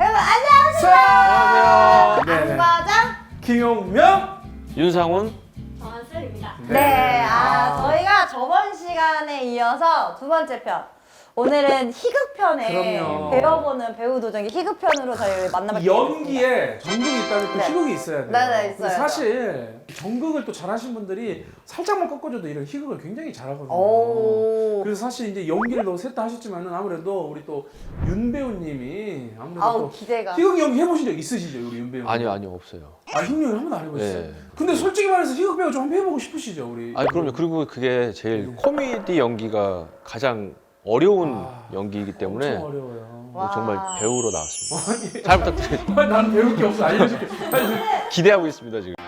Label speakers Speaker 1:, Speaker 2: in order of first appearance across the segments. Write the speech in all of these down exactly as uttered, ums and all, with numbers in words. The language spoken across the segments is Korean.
Speaker 1: 여러분 안녕하세요.
Speaker 2: 안녕하세요. 네네.
Speaker 1: 안과장
Speaker 2: 김용명.
Speaker 3: 윤상훈.
Speaker 1: 정한슬입니다.
Speaker 2: 네.
Speaker 1: 네, 아,
Speaker 2: 아.
Speaker 1: 저희가 저번 시간에 이어서 두 번째 편. 오늘은 희극편에
Speaker 2: 그럼요.
Speaker 1: 배워보는 배우 도전기 희극편으로 저희 만나뵙게
Speaker 2: 연기에 전극이 있다면 또
Speaker 1: 네.
Speaker 2: 희극이 있어야 돼요.
Speaker 1: 네, 네,
Speaker 2: 근데
Speaker 1: 있어요.
Speaker 2: 사실 전극을 또 잘하신 분들이 살짝만 꺾어줘도 이런 희극을 굉장히 잘하거든요.
Speaker 1: 오.
Speaker 2: 그래서 사실 이제 연기를 너무 셋 다 하셨지만은 아무래도 우리 또 윤 배우님이 아무래도
Speaker 1: 아우
Speaker 2: 또
Speaker 1: 기대가.
Speaker 2: 희극 연기 해보신 적 있으시죠, 우리 윤 배우님?
Speaker 3: 아니요, 아니요, 없어요.
Speaker 2: 아, 희극 연기 한 번도 안 해보셨어요?
Speaker 3: 네.
Speaker 2: 근데 솔직히 말해서 희극 배우 좀 한번 해보고 싶으시죠, 우리?
Speaker 3: 아니 그럼요. 그리고 그게 제일 코미디 연기가 가장 어려운
Speaker 2: 아,
Speaker 3: 연기이기 때문에
Speaker 2: 엄청 어려워요.
Speaker 3: 뭐
Speaker 1: 와.
Speaker 3: 정말 배우로 나왔습니다. 잘 부탁드립니다.
Speaker 2: 아니, 난 배울 게 없어, 알려줄게. 아니,
Speaker 3: 기대하고 있습니다 지금.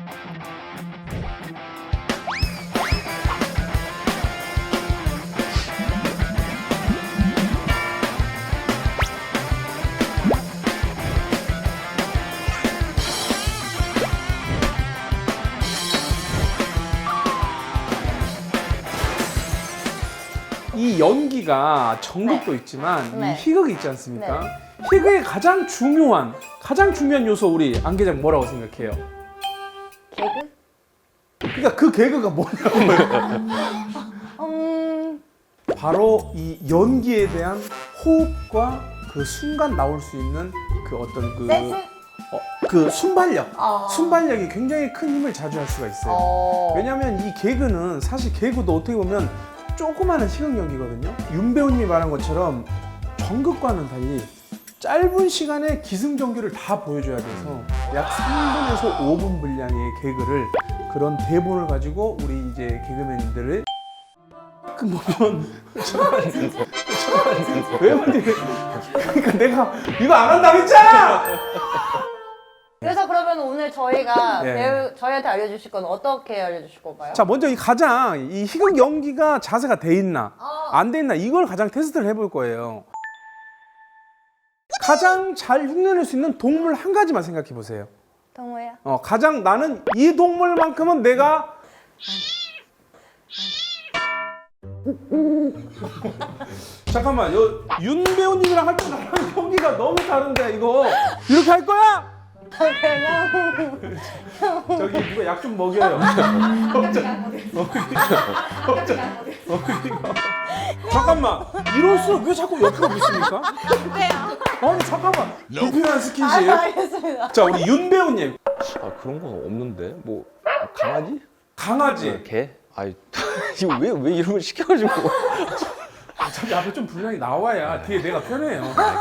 Speaker 2: 이 연기가 전극도 있지만
Speaker 1: 네.
Speaker 2: 이 희극이 있지 않습니까? 희극의 가장 중요한 가장 중요한 요소 우리 안 계장 뭐라고 생각해요?
Speaker 1: 개그?
Speaker 2: 그러니까 그 개그가 뭐냐고요?
Speaker 1: 음.
Speaker 2: 바로 이 연기에 대한 호흡과 그 순간 나올 수 있는 그 어떤 그,
Speaker 1: 센스?
Speaker 2: 어, 그 순발력
Speaker 1: 어.
Speaker 2: 순발력이 굉장히 큰 힘을 자주할 수가 있어요.
Speaker 1: 어.
Speaker 2: 왜냐하면 이 개그는 사실 개그도 어떻게 보면 조그마한 희극 연기거든요. 윤 배우님이 말한 것처럼 전극과는 달리 짧은 시간에 기승전결을 다 보여줘야 돼서 약 삼 분에서 오 분 분량의 개그를 그런 대본을 가지고 우리 이제 개그맨들을 그 보면 왜 말해? 그러니까 내가 이거 안 한다고 했잖아.
Speaker 1: 그래서 그러면 오늘 저희가
Speaker 2: 네.
Speaker 1: 배우 저희한테 알려주실 건 어떻게 알려주실 건가요?
Speaker 2: 자, 먼저 이 가장 이 희극 연기가 자세가 돼 있나
Speaker 1: 어.
Speaker 2: 안 돼 있나 이걸 가장 테스트를 해볼 거예요. 가장 잘 흉내낼 수 있는 동물 한 가지만 생각해 보세요.
Speaker 1: 동호야.
Speaker 2: 어, 가장 나는 이 동물만큼은 내가 잠깐만, 요, 윤 배우님이랑 할 때 나랑 연기가 너무 다른데 이거 이렇게 할 거야?
Speaker 1: 그냥
Speaker 2: 저기 누가 약 좀 먹여요. 잠깐만, 이럴수록 왜 자꾸 옆으로 보십니까? 아니 잠깐만, 불필요한 스킨십.
Speaker 1: 아, 알겠습니다.
Speaker 2: 자, 우리 윤 배우님,
Speaker 3: 아 그런 거 없는데 뭐 강아지?
Speaker 2: 강아지.
Speaker 3: 개? 아이 이거 왜 왜 이런 걸 시켜가지고.
Speaker 2: 저기 앞에 좀 분량이 나와야 뒤에 내가 편해요.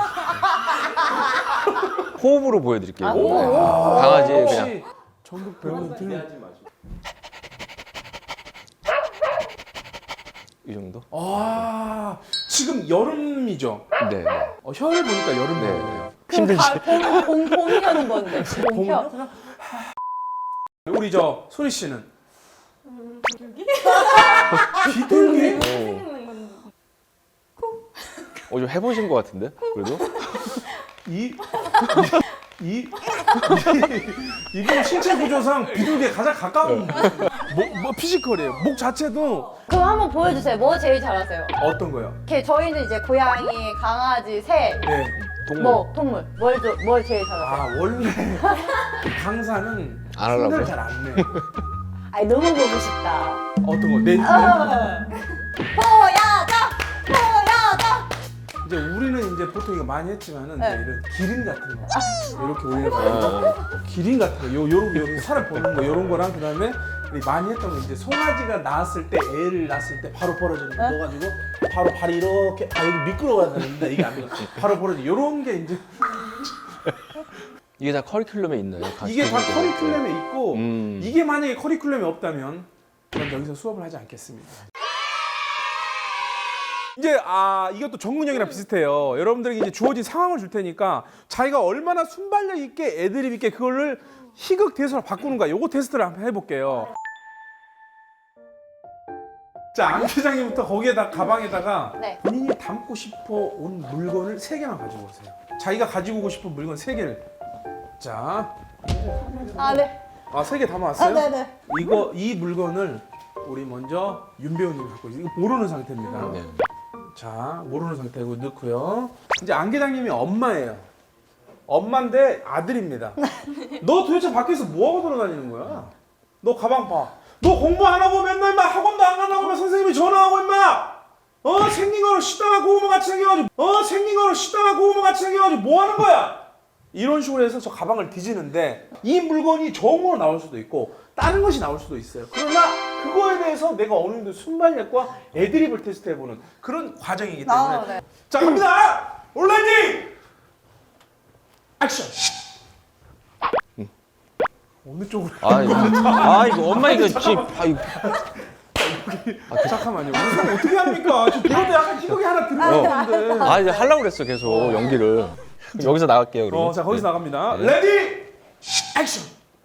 Speaker 3: 호흡으로 보여드릴게요.
Speaker 1: 아,
Speaker 3: 이거.
Speaker 1: 호흡.
Speaker 3: 강아지 그냥.
Speaker 2: 혹시 전국 배우는 들은
Speaker 3: 이 정도?
Speaker 2: 아, 지금 여름이죠?
Speaker 3: 네.
Speaker 2: 어, 혀를 보니까 여름
Speaker 3: 네.
Speaker 2: 배우네요.
Speaker 3: 힘들지.
Speaker 1: 봄, 봄, 봄이라는 건데. 봄혀.
Speaker 2: 봄? 우리 저 소리 씨는 비둘기?
Speaker 3: 오. 어, 좀 해보신 것 같은데? 그래도?
Speaker 2: 이, 이, 이, 이게 신체 구조상 비둘기에 가장 가까운 목, 뭐 피지컬이에요. 목 자체도
Speaker 1: 그럼 한번 보여주세요. 뭐 제일 잘하세요?
Speaker 2: 어떤 거요?
Speaker 1: 이렇게 저희는 이제 고양이, 강아지, 새,
Speaker 2: 네.
Speaker 3: 동물.
Speaker 1: 뭐 동물. 뭘, 저- 뭘 제일 잘하세요?
Speaker 2: 아, 원래 강사는
Speaker 3: 안 하려고요?
Speaker 2: 흉내를 잘 안 내.
Speaker 1: 아니 너무 보고 싶다.
Speaker 2: 어떤 거? 내,
Speaker 1: 어. 보여줘! 보여줘!
Speaker 2: 이제 우리는 이제 보통 이거 많이 했지만은
Speaker 1: 네.
Speaker 2: 이제 이런 기린 같은 거 이렇게 올려가지고
Speaker 3: 아,
Speaker 2: 기린 같은 거 요, 요런 요런 사람 보는 거 요런 거랑 그다음에 우리 많이 했던 거 이제 송아지가 낳았을 때 애를 낳았을 때 바로 벌어지는 거
Speaker 1: 네?
Speaker 2: 넣어가지고 바로 발이 이렇게 아 여기 미끄러워야 되는데 이게 안 돼. 바로 벌어지 요런 게 이제
Speaker 3: 이게 다 커리큘럼에 있나요?
Speaker 2: 이게 다 커리큘럼에 있고
Speaker 3: 음.
Speaker 2: 이게 만약에 커리큘럼이 없다면 전 여기서 수업을 하지 않겠습니다. 이제 아 이것도 전문형이랑 비슷해요. 여러분들에게 이제 주어진 상황을 줄 테니까 자기가 얼마나 순발력 있게 애드립 있게 그거를 희극 대사로 바꾸는가 요거 테스트를 한번 해볼게요. 자, 안 회장님부터 거기에다 가방에다가
Speaker 1: 네.
Speaker 2: 본인이 담고 싶어 온 물건을 세 개만 가지고 오세요. 자기가 가지고 오고 싶은 물건 세 개를. 자,
Speaker 1: 아, 네.
Speaker 2: 아 세 개
Speaker 1: 아,
Speaker 2: 담아왔어요?
Speaker 1: 네네.
Speaker 2: 이거 이 물건을 우리 먼저 윤 배우님이 갖고 있어요. 이거 모르는 상태입니다.
Speaker 3: 네.
Speaker 2: 자, 모르는 상태고 넣고요. 이제 안 계장님이 엄마예요. 엄마인데 아들입니다. 너 도대체 밖에서 뭐하고 돌아다니는 거야? 너 가방 봐. 너 공부 안 하고 맨날 막 학원도 안 가려고 막 선생님이 전화하고 임마. 어 생긴 거로 식당하고 고구마 같이 생겨가지고 어 생긴 거로 식당하고 고구마 같이 생겨가지고 뭐 하는 거야? 이런 식으로 해서 저 가방을 뒤지는데 이 물건이 정으로 나올 수도 있고 다른 것이 나올 수도 있어요. 그러나 그거에 대해서 내가 어느 정도 순발력과 애드립을 테스트해보는 그런 과정이기 때문에
Speaker 1: 아, 네.
Speaker 2: 자 갑니다! 올라이팅! 액션! 어느 쪽으로?
Speaker 3: 아 이거, 아 이거 엄마 이거 지금 아 이거
Speaker 2: 잠깐만요. 우선 어떻게 합니까? 지금 배우도 약간 희극이 하나 들어가는데.
Speaker 3: 아 이제 하려고 그랬어 계속 연기를. 여기서 나갈게요 그럼.
Speaker 2: 어, 자 거기서 나갑니다.
Speaker 3: 네.
Speaker 2: 레디 액션.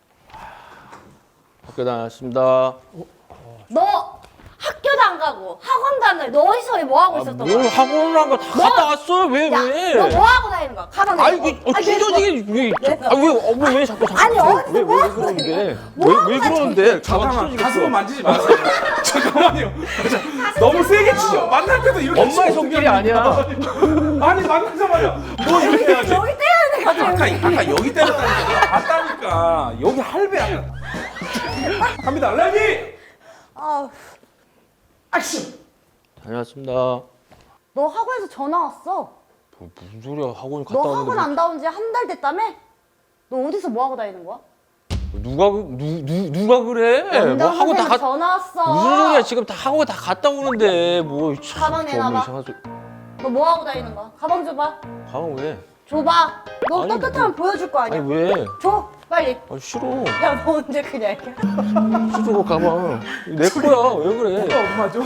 Speaker 3: 학교 다녔습니다.
Speaker 1: 너 학교도 안 가고 학원도 안 가고 너 어디서 뭐 하고 있었던
Speaker 3: 뭘
Speaker 1: 거야?
Speaker 3: 학원을 한 거 다 갔다 왔어요? 왜
Speaker 1: 야,
Speaker 3: 왜?
Speaker 1: 너 뭐 하고 다니는 거야? 가방
Speaker 3: 아이
Speaker 1: 내고.
Speaker 3: 그 어, 찢어지게 왜아왜 어머 왜 자꾸 자꾸
Speaker 1: 아니, 어디서
Speaker 3: 왜,
Speaker 1: 뭐
Speaker 3: 왜
Speaker 1: 하고
Speaker 3: 그러는데 왜
Speaker 1: 뭐
Speaker 3: 왜
Speaker 1: 하고
Speaker 3: 그러는데 가방
Speaker 2: 잠깐만 가슴을
Speaker 3: 찢어지겠어.
Speaker 2: 만지지 마세요. 잠깐만요. 자, 너무 세게 치죠. 만날 때도 이렇게
Speaker 3: 엄마의
Speaker 2: 치면
Speaker 3: 손길이
Speaker 2: 어떡해.
Speaker 3: 아니야.
Speaker 2: 아니 만나자마자 너 이렇게 해야지.
Speaker 1: 여기 떼야 돼
Speaker 2: 아까
Speaker 1: 갑자기.
Speaker 2: 아까 여기 때렸다니까 내가 봤다니까. 여기 할배야. 갑니다. 레디
Speaker 1: 아,
Speaker 2: 액션.
Speaker 3: 다녀왔습니다.
Speaker 1: 너 학원에서 전화 왔어.
Speaker 3: 뭐, 무슨 소리야 학원 갔다
Speaker 1: 너
Speaker 3: 왔는데
Speaker 1: 학원
Speaker 3: 뭐,
Speaker 1: 안 나온 지 한 달 됐다며? 너 어디서 뭐 하고 다니는 거야?
Speaker 3: 누가 그- 누, 누 누가 그래? 뭐
Speaker 1: 원장
Speaker 3: 학원 다
Speaker 1: 선생님
Speaker 3: 갔
Speaker 1: 전화 왔어.
Speaker 3: 무슨 소리야 지금 다 학원 다 갔다 오는데 뭐 참,
Speaker 1: 가방
Speaker 3: 저
Speaker 1: 내놔봐.
Speaker 3: 이상한 소리.
Speaker 1: 너 뭐 하고 다니는 거야? 가방 줘봐.
Speaker 3: 가방 왜?
Speaker 1: 줘봐. 너
Speaker 3: 아니,
Speaker 1: 떳떳하면
Speaker 3: 뭐-
Speaker 1: 보여줄 거 아니야?
Speaker 3: 아니 왜?
Speaker 1: 줘 빨리.
Speaker 3: 아 싫어.
Speaker 1: 야 너 언제 그냥 이렇게?
Speaker 3: 싫어 가방. 내 거야 왜 그래?
Speaker 2: 어, 엄마죠?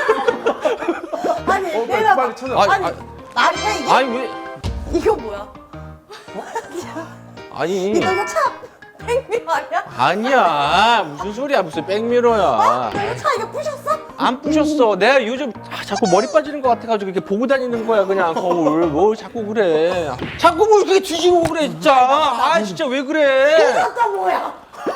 Speaker 1: 아니
Speaker 2: 어, 빨리,
Speaker 1: 내가
Speaker 2: 빨리 찾아.
Speaker 3: 아니,
Speaker 1: 아니
Speaker 3: 아니,
Speaker 1: 나한테 이게
Speaker 3: 아니 왜?
Speaker 1: 이거 뭐야?
Speaker 3: 아니
Speaker 1: 너 이거 차 백미러 아니야?
Speaker 3: 아니야 무슨 소리야 무슨 백미러야.
Speaker 1: 너 이거 차 이거 부셨어?
Speaker 3: 안 부셨어. 내가 요즘 아, 자꾸 머리 빠지는 것 같아가지고 이렇게 보고 다니는 거야 그냥 거울. 뭘 자꾸 그래. 자꾸 뭘 이렇게 뒤지고 그래 진짜. 아 진짜 왜 그래?
Speaker 1: 아까 뭐야?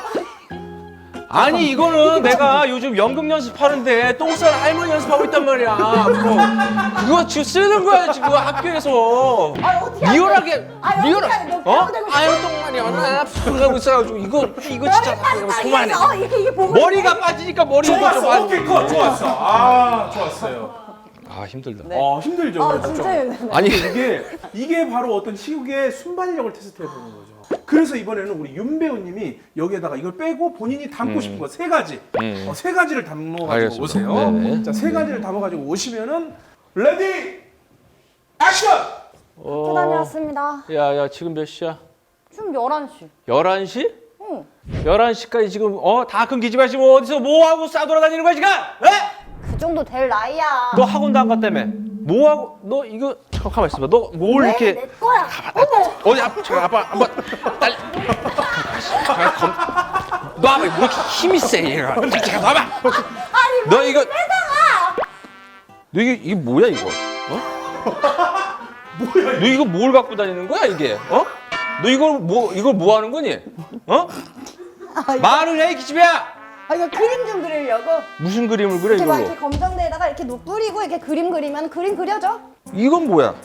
Speaker 3: 아니 이거는 내가 요즘 연극 연습하는데 똥쌀 할머니 연습하고 있단 말이야. 그거, 그거 지금 쓰는 거야 지금 학교에서.
Speaker 1: 아 어떻게 하지?
Speaker 3: 리얼하게
Speaker 1: 아,
Speaker 3: 리얼.
Speaker 1: 어떻게 하지? 너
Speaker 3: 어?
Speaker 1: 배우고 되고 싶어?
Speaker 3: 아유 똥말이야. 나 하고 있어가지고 이거 이거 진짜 그만해.
Speaker 1: 어 이게 이게 보고
Speaker 3: 머리가 빠지니까 머리 이거 좀
Speaker 2: 좋았어. 오케이 컷. 좋았어. 아 좋았어요.
Speaker 3: 아 힘들다.
Speaker 2: 어 힘들죠.
Speaker 1: 아
Speaker 2: 그렇죠.
Speaker 1: 진짜 힘드네.
Speaker 3: 아니
Speaker 2: 이게 이게 바로 어떤 희극의 순발력을 테스트해 보는 거죠. 그래서 이번에는 우리 윤 배우님이 여기에다가 이걸 빼고 본인이 담고
Speaker 3: 음.
Speaker 2: 싶은 거 세 가지,
Speaker 3: 음.
Speaker 2: 어, 세 가지를 담아가지고
Speaker 3: 알겠습니다.
Speaker 2: 오세요.
Speaker 3: 네네.
Speaker 2: 자, 세 가지를 담아가지고 오시면은 레디 액션.
Speaker 3: 어,
Speaker 1: 다녀왔습니다.
Speaker 3: 야야 지금 몇 시야?
Speaker 1: 지금 열한 시.
Speaker 3: 열한 시?
Speaker 1: 응.
Speaker 3: 열한 시까지 지금 어 다 끊기지 마시고 어디서 뭐 하고 싸돌아다니는 거야 지금? 에?
Speaker 1: 그 정도 될 나이야.
Speaker 3: 너 학원도 안 갔다며? 뭐 하고 너 이거 잠깐 가만 있어봐. 너 뭘
Speaker 1: 왜?
Speaker 3: 이렇게
Speaker 1: 내 거야. 어머.
Speaker 3: 어디 앞 잠깐 아빠 한번 딸. 잠깐 검. 너 아빠 왜 이렇게 힘이 세 얘가? 잠깐 봐봐.
Speaker 1: 아니
Speaker 3: 너 이거
Speaker 1: 빼다가.
Speaker 3: 너 이게 이게 뭐야 이거? 어? 뭐야? 너 이거 뭘 갖고 다니는 거야 이게? 어? 너 이걸 뭐 이걸 뭐 하는 거니? 어?
Speaker 1: 아, 이거,
Speaker 3: 말을 해 기집애야.
Speaker 1: 아 이거 그림 좀 그리려고.
Speaker 3: 무슨 그림을 그래
Speaker 1: 이렇게 막
Speaker 3: 이걸로?
Speaker 1: 이렇게 검정대에다가 이렇게 녹 뿌리고 이렇게 그림 그리면 그림 그려져.
Speaker 3: 이건 뭐야?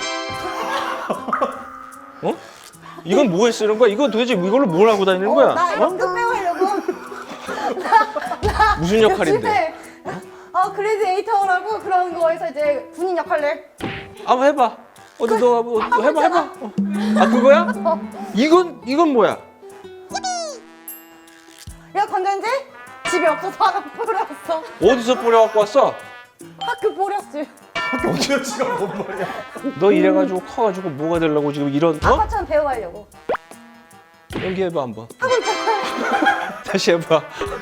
Speaker 3: 어? 이건 뭐에 쓰는 거야? 이건 도대체 이걸로 뭘 하고 다니는 거야?
Speaker 1: 어, 나 이거
Speaker 3: 어?
Speaker 1: 끝 배우려고. 나, 나
Speaker 3: 무슨 역할인데?
Speaker 1: 집에, 어 글래디에이터라고 그런 거에서 이제 군인 역할을.
Speaker 3: 한번 해봐. 어디 너 뭐, 너 해봐 해봐. 어. 아 그거야?
Speaker 1: 어.
Speaker 3: 이건 이건 뭐야?
Speaker 1: 이거 건전지? 집에 없어서 하나 뿌렸어.
Speaker 3: 어디서 뿌려갖고 왔어?
Speaker 1: 학교 뿌렸지.
Speaker 2: 어디가 뭔 말이야?
Speaker 3: 너 이래가지고 커가지고 뭐가 되려고 지금 이런 어?
Speaker 1: 아빠처럼 배워가려고.
Speaker 3: 연기해봐 한번.
Speaker 1: 하고 있잖아.
Speaker 3: 다시 해봐.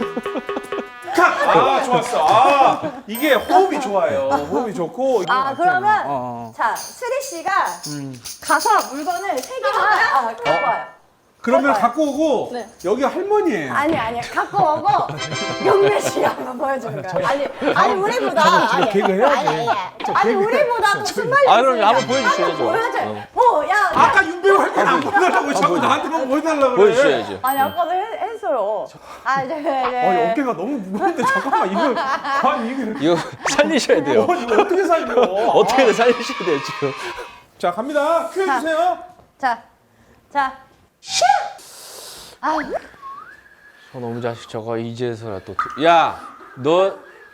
Speaker 2: 아 좋았어. 아 이게 호흡이 좋아요. 호흡이 좋고. 이거
Speaker 1: 아
Speaker 2: 같아요.
Speaker 1: 그러면
Speaker 2: 어, 어.
Speaker 1: 자 수리 씨가
Speaker 2: 음.
Speaker 1: 가서 물건을 세 개만 아, 갖고 와요.
Speaker 2: 그러면
Speaker 1: 해봐요.
Speaker 2: 갖고 오고
Speaker 1: 네.
Speaker 2: 여기 할머니예요.
Speaker 1: 아니 아니 갖고 오고 영매 씨가 한번 보여주는 거야. 아니 아니 우리보다
Speaker 2: 저
Speaker 1: 아니
Speaker 2: 개그 해야지.
Speaker 1: 아니 아니 아니 우리보다 또 순발력
Speaker 3: 아, 그럼
Speaker 1: 있으니까
Speaker 3: 한번 보여주셔야죠.
Speaker 1: 한번 보여줘.
Speaker 3: 어.
Speaker 1: 뭐 야.
Speaker 2: 아까 윤배우 할 때는 안 보여달라고 자꾸 나한테만 보여달라고 그래.
Speaker 3: 보여주셔야지.
Speaker 1: 아니 아까도 했, 했어요. 아 이제 이제.
Speaker 2: 어, 어깨가 너무 무거운데 잠깐만 이거 아니 이거
Speaker 3: 이거 살리셔야 돼요.
Speaker 2: 어, 이거 어떻게 살려?
Speaker 3: 어떻게든 살리셔야 돼요 지금.
Speaker 2: 자 갑니다. 큐 해주세요.
Speaker 1: 자 자, 슈! 아유,
Speaker 3: 저놈의 자식 저거 이제서야 또. 야, 너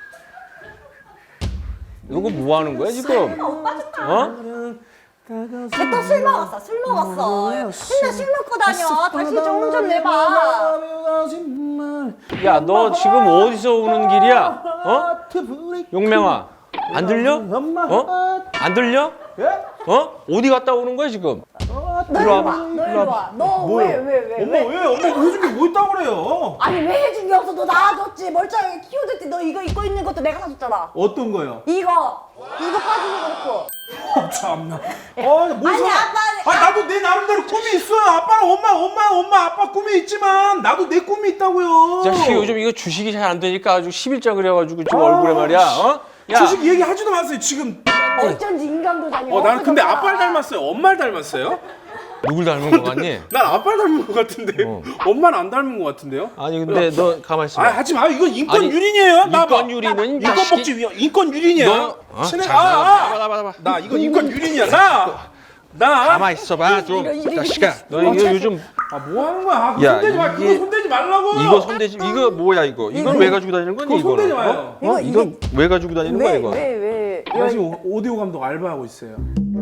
Speaker 3: 이거 뭐 하는 거야 지금?
Speaker 1: 오빠 좋다.
Speaker 3: 어?
Speaker 1: 또 술 먹었어, 술 먹었어. 맨날 술 먹고 다녀. 다시 좀 좀 내봐.
Speaker 3: 야, 너 지금 어디서 오는 길이야? 어? 용명아, 안 들려? 어? 안 들려? 어? 어디 갔다 오는 거야 지금?
Speaker 1: 너
Speaker 3: 일로 와봐.
Speaker 1: 너 일로 와. 너 왜, 왜, 왜,
Speaker 2: 엄마
Speaker 1: 왜?
Speaker 2: 왜? 엄마 해준 게 뭐 있다고 그래요?
Speaker 1: 아니 왜 해준 게 없어? 너 나와줬지. 멀쩡하게 키워줄 때 너 이거 입고 있는 것도 내가 사줬잖아.
Speaker 2: 어떤 거요?
Speaker 1: 이거. 이거까지도 그렇고.
Speaker 2: 어, 참나. 어, 뭘
Speaker 1: 아니,
Speaker 2: 사-
Speaker 1: 아빠는-
Speaker 2: 아, 나도 내 나름대로 꿈이 있어요. 아빠는 엄마, 엄마, 엄마, 아빠 꿈이 있지만 나도 내 꿈이 있다고요.
Speaker 3: 이 자식이 요즘 이거 주식이 잘 안 되니까 아주 십일자 그래가지고 지금
Speaker 2: 아,
Speaker 3: 얼굴에 말이야. 어? 야,
Speaker 2: 주식 얘기 하지도 마세요 지금.
Speaker 1: 어쩐지 인간도 다녀.
Speaker 2: 어, 나는 근데 아빠를 닮았어요. 엄마를 닮았어요?
Speaker 3: 누굴 닮은 거 같니?
Speaker 2: 난 아빠를 닮은 것 같은데
Speaker 3: 어.
Speaker 2: 엄마는 안 닮은 것 같은데요?
Speaker 3: 아니 근데 너 가만 있어.
Speaker 2: 아, 하지 마. 이건 인권
Speaker 3: 아니,
Speaker 2: 유린이에요. 나 봐.
Speaker 3: 인권 유린은 이
Speaker 2: 인권
Speaker 3: 자식이-
Speaker 2: 복지 위원 인권 유린이야.
Speaker 3: 너 어?
Speaker 2: 친해.
Speaker 3: 자,
Speaker 2: 아,
Speaker 3: 나봐,
Speaker 2: 아.
Speaker 3: 나봐, 나봐.
Speaker 2: 나 이거 인권 유린이야. 나. 나.
Speaker 3: 가만 있어봐 좀.
Speaker 1: 이거, 이거,
Speaker 3: 자식아, 너
Speaker 2: 이거
Speaker 3: 이거 요즘
Speaker 2: 아, 뭐 하는 거야? 아, 그거
Speaker 3: 야,
Speaker 2: 손대지 마.
Speaker 3: 이게-
Speaker 2: 그거 손대지 말라고.
Speaker 3: 이거 손대지 이거 뭐야 이거? 이건 왜 가지고 다니는 거니
Speaker 2: 그거
Speaker 3: 이거는?
Speaker 2: 손대지 마요.
Speaker 3: 어?
Speaker 1: 이거,
Speaker 3: 어? 이건 왜 가지고 다니는 거야
Speaker 1: 왜,
Speaker 3: 이거?
Speaker 1: 왜, 왜?
Speaker 2: 나 지금 오디오 감독 알바하고 있어요.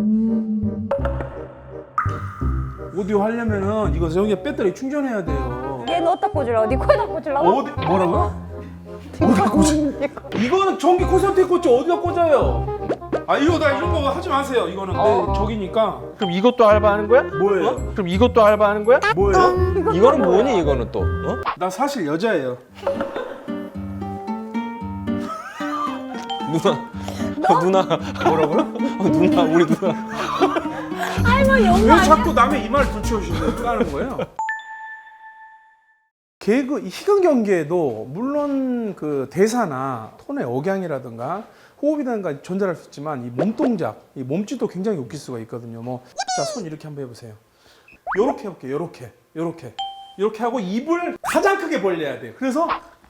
Speaker 2: 오디오 하려면은 이거 여기에 배터리 충전해야 돼요.
Speaker 1: 얘는 어디다 꽂으려고? 네 코에다 꽂으려고?
Speaker 2: 어디 뭐라고요? 어디다 꽂? 이거는 전기 콘센트에 꽂죠. 어디다 꽂아요? 아 이거 나 이런 거 하지 마세요. 이거는
Speaker 1: 어.
Speaker 2: 내 저기니까.
Speaker 3: 그럼 이것도 알바하는 거야?
Speaker 2: 뭐예요?
Speaker 3: 어? 그럼 이것도 알바하는 거야?
Speaker 2: 뭐예요?
Speaker 3: 이거는 뭐니 이거는 또? 어?
Speaker 2: 나 사실 여자예요.
Speaker 3: 누나. 어, 누나. 뭐라고요? 어, 누나 우리 누나.
Speaker 1: 할머니
Speaker 2: 왜
Speaker 1: 엄마 아니야?
Speaker 2: 자꾸 남의 이마를 들추어주시는 거예요? 개그 이 희극 연기에도 물론 그 대사나 톤의 억양이라든가 호흡이라든가 전달할 수 있지만 이 몸 동작, 이 몸짓도 굉장히 웃길 수가 있거든요. 뭐, 자, 손 이렇게 한번 해보세요. 요렇게 해볼게요. 요렇게, 요렇게, 요렇게 하고 입을 가장 크게 벌려야 돼요. 그래서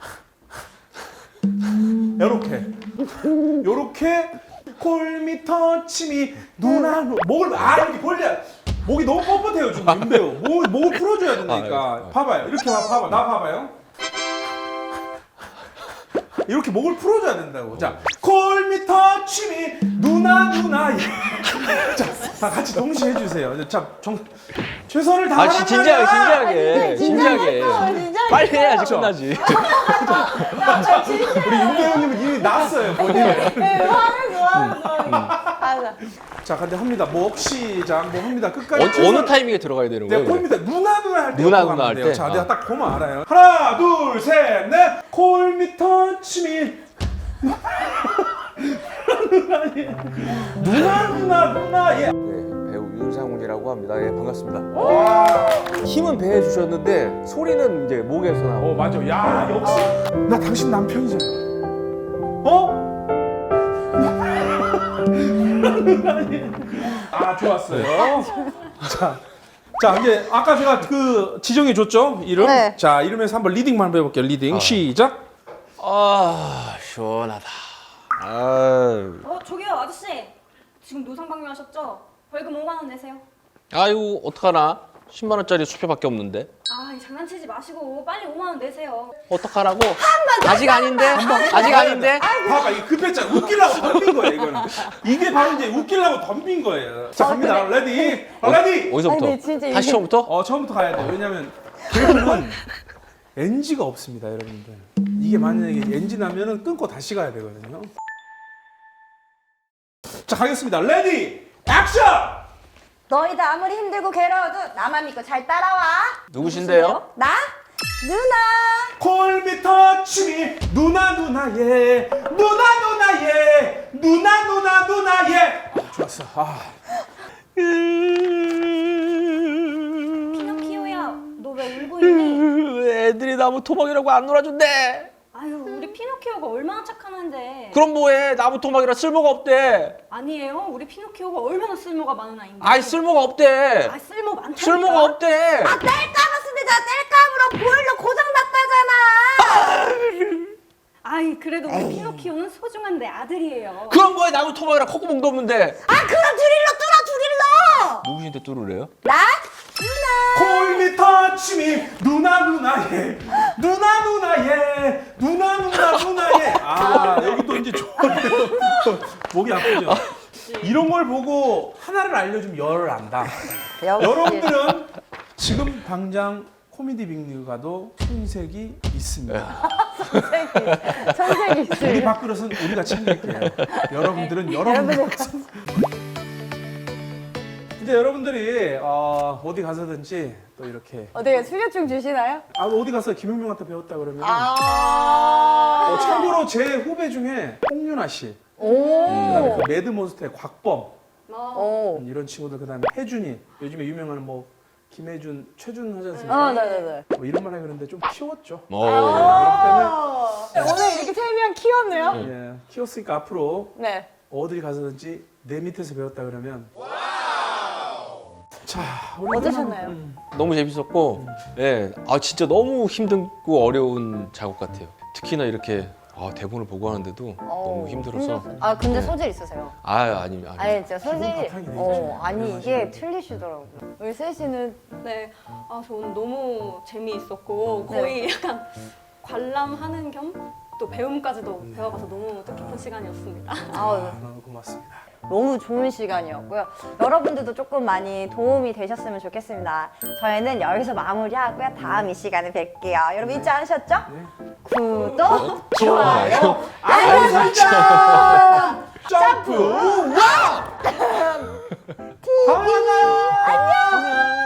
Speaker 2: 요렇게, 요렇게 콜미 터치미 누나 누 목을 아 이렇게 벌려. 목이 너무 뻣뻣해요 지금 윤배우. 목 목을 풀어줘야 된다니까.
Speaker 3: 아,
Speaker 2: 봐봐요. 이렇게 봐, 봐봐. 나 봐봐요. 이렇게 목을 풀어줘야 된다고. 자, 콜미 터치미 누나 누나. 자, 다 같이 동시에 해주세요. 자, 정 최선을
Speaker 3: 아
Speaker 2: 다하란
Speaker 3: 진- 진지하게
Speaker 2: 말이야.
Speaker 3: 진지하게 진지하게.
Speaker 1: 진지하게
Speaker 3: 빨리 해야지
Speaker 2: 그렇죠.
Speaker 3: 끝나지.
Speaker 2: 우리 윤배우님은 이미 났어요 본인을.
Speaker 1: 네, 화를 좋아하는 거.
Speaker 2: 자, 근데 합니다. 목 시작. 뭐 합니다.
Speaker 3: 어,
Speaker 2: 끝까지.
Speaker 3: 어느
Speaker 2: 최선을-
Speaker 3: 타이밍에 들어가야 되는
Speaker 2: 내가
Speaker 3: 거예요?
Speaker 2: 콜미터 누나 누나 할때
Speaker 3: 누나, 누나 할 때?
Speaker 2: 자,
Speaker 3: 아.
Speaker 2: 내가 딱 보면 알아요. 하나, 둘, 셋, 넷. 콜미 터치미. 누나 누나 누나 예.
Speaker 3: 네, 배우 윤상훈이라고 합니다. 예, 반갑습니다.
Speaker 2: 와.
Speaker 3: 힘은 배에 주셨는데 소리는 이제 목에서 나오고.
Speaker 2: 어 맞아. 야 역시 나 당신 남편이잖아. 어? 아 좋았어요. 자, 자 이제 아까 제가 그 지정해 줬죠 이름.
Speaker 1: 네.
Speaker 2: 자 이름에서 한번 리딩만 한번 해볼게요. 리딩 시작.
Speaker 3: 아 시원하다. 아,
Speaker 4: 어, 저기요, 아저씨. 지금 노상방뇨하셨죠? 벌금 오만 원 내세요.
Speaker 3: 아이고 어떡하나? 십만 원짜리 수표밖에 없는데.
Speaker 4: 아, 이 장난치지 마시고 빨리 오만 원 내세요.
Speaker 3: 어떡하라고? 아직 아닌데? 아직 아닌데?
Speaker 2: 봐봐 이게 급했잖아. 웃기려고 덤빈 거예요 이거는. 이게 바로 이제 웃기려고 덤빈 거예요. 자 갑니다. 레디. 어, 레디.
Speaker 3: 어디서부터?
Speaker 1: 아니, 진짜 이게-
Speaker 3: 다시 처음부터?
Speaker 2: 어 처음부터 가야 돼요. 왜냐면 개그는 엔지가 없습니다, 여러분들. 이게 만약에 엔지 나면은 끊고 다시 가야 되거든요. 자 가겠습니다. 레디 액션.
Speaker 1: 너희들 아무리 힘들고 괴로워도 나만 믿고 잘 따라와.
Speaker 3: 누구신데요?
Speaker 1: 나? 누나.
Speaker 2: 콜미 터치미 누나 누나 예 누나 누나 예 누나 누나 누나 예. 아, 좋았어. 아.
Speaker 4: 피노키오야, 너 왜 울고 있니?
Speaker 3: 왜 애들이 나무 토막이라고 안 놀아준대?
Speaker 4: 아유, 우리 피노키오가 얼마나 착하는데.
Speaker 3: 그럼 뭐해? 나무 토막이라 쓸모가 없대.
Speaker 4: 아니에요, 우리 피노키오가 얼마나 쓸모가 많은 아인데.
Speaker 3: 아이 쓸모가 없대.
Speaker 4: 아, 쓸모 많다니까.
Speaker 3: 쓸모가 없대.
Speaker 1: 뗄 까봤습니다. 뗄 까불어 보일러 고장 났다잖아.
Speaker 4: 아이, 그래도 우리 피노키오는 소중한 내 아들이에요.
Speaker 3: 그럼 뭐해? 나무 토막이라 콧구멍도 없는데.
Speaker 1: 아 그럼 드릴러 뚫어 드릴러.
Speaker 3: 누구신데 뚫으래요?
Speaker 1: 나? 누나.
Speaker 2: 침이 누나 누나 예 누나 누나 예 누나 누나 누나 예아 여기 또 이제 좋아요. 목이 아프죠. 이런 걸 보고 하나를 알려주면 열을 안다. 여러분들은 지금 당장 코미디 빅리그 가도 손색이 있습니다.
Speaker 1: 천색이
Speaker 2: 우리
Speaker 1: 있어요.
Speaker 2: 밥그릇은 우리가 챙길게요. 여러분들은 여러분들. 이제 여러분들이 어, 어디 가서든지 또 이렇게
Speaker 1: 어떻게 수료증 주시나요?
Speaker 2: 아 어디 가서 김용명한테 배웠다 그러면
Speaker 1: 아.
Speaker 2: 어, 참고로 제 후배 중에 홍윤아 씨,
Speaker 1: 오.
Speaker 2: 그다음에 그 매드몬스터의 곽범
Speaker 1: 오.
Speaker 2: 이런 친구들 그다음에 혜준이 요즘에 유명한 뭐 김혜준, 최준 하지 않습니까?
Speaker 1: 아, 네네네.
Speaker 2: 뭐 이런 말 하기 그런데 좀 키웠죠.
Speaker 3: 어.
Speaker 2: 그렇기
Speaker 1: 오늘 이렇게 세 명 키웠네요.
Speaker 2: 때문에 예, 키웠으니까 앞으로
Speaker 1: 네.
Speaker 2: 어딜 가서든지 내 밑에서 배웠다 그러면 자 우리
Speaker 1: 어떠셨나요?
Speaker 2: 음,
Speaker 3: 너무 재밌었고, 예, 아 진짜 너무 힘들고 어려운 작업 같아요. 특히나 이렇게 아, 대본을 보고 하는데도 너무 힘들어서.
Speaker 1: 힘들었어요. 아 근데
Speaker 3: 네.
Speaker 1: 소질 있으세요.
Speaker 3: 아 아니 아니.
Speaker 1: 아니 진짜 소질.
Speaker 2: 바탕이 되죠.
Speaker 1: 어 아니
Speaker 2: 네,
Speaker 1: 이게
Speaker 2: 맞아요.
Speaker 1: 틀리시더라고요. 우리 세 씨는
Speaker 4: 네, 아 저는 너무 재미있었고 거의 약간 관람하는 겸 또 배움까지도 배워가서 너무 뜻깊은 시간이었습니다.
Speaker 1: 아,
Speaker 2: 너무 고맙습니다.
Speaker 1: 너무 좋은 시간이었고요. 여러분들도 조금 많이 도움이 되셨으면 좋겠습니다. 저희는 여기서 마무리하고요. 다음 이 시간에 뵐게요. 여러분 잊지 않으셨죠?
Speaker 2: 네.
Speaker 1: 구독,
Speaker 3: 좋아요.
Speaker 1: 알림 설정!
Speaker 2: 점프! 와! 다음에 만나요.
Speaker 1: 안녕!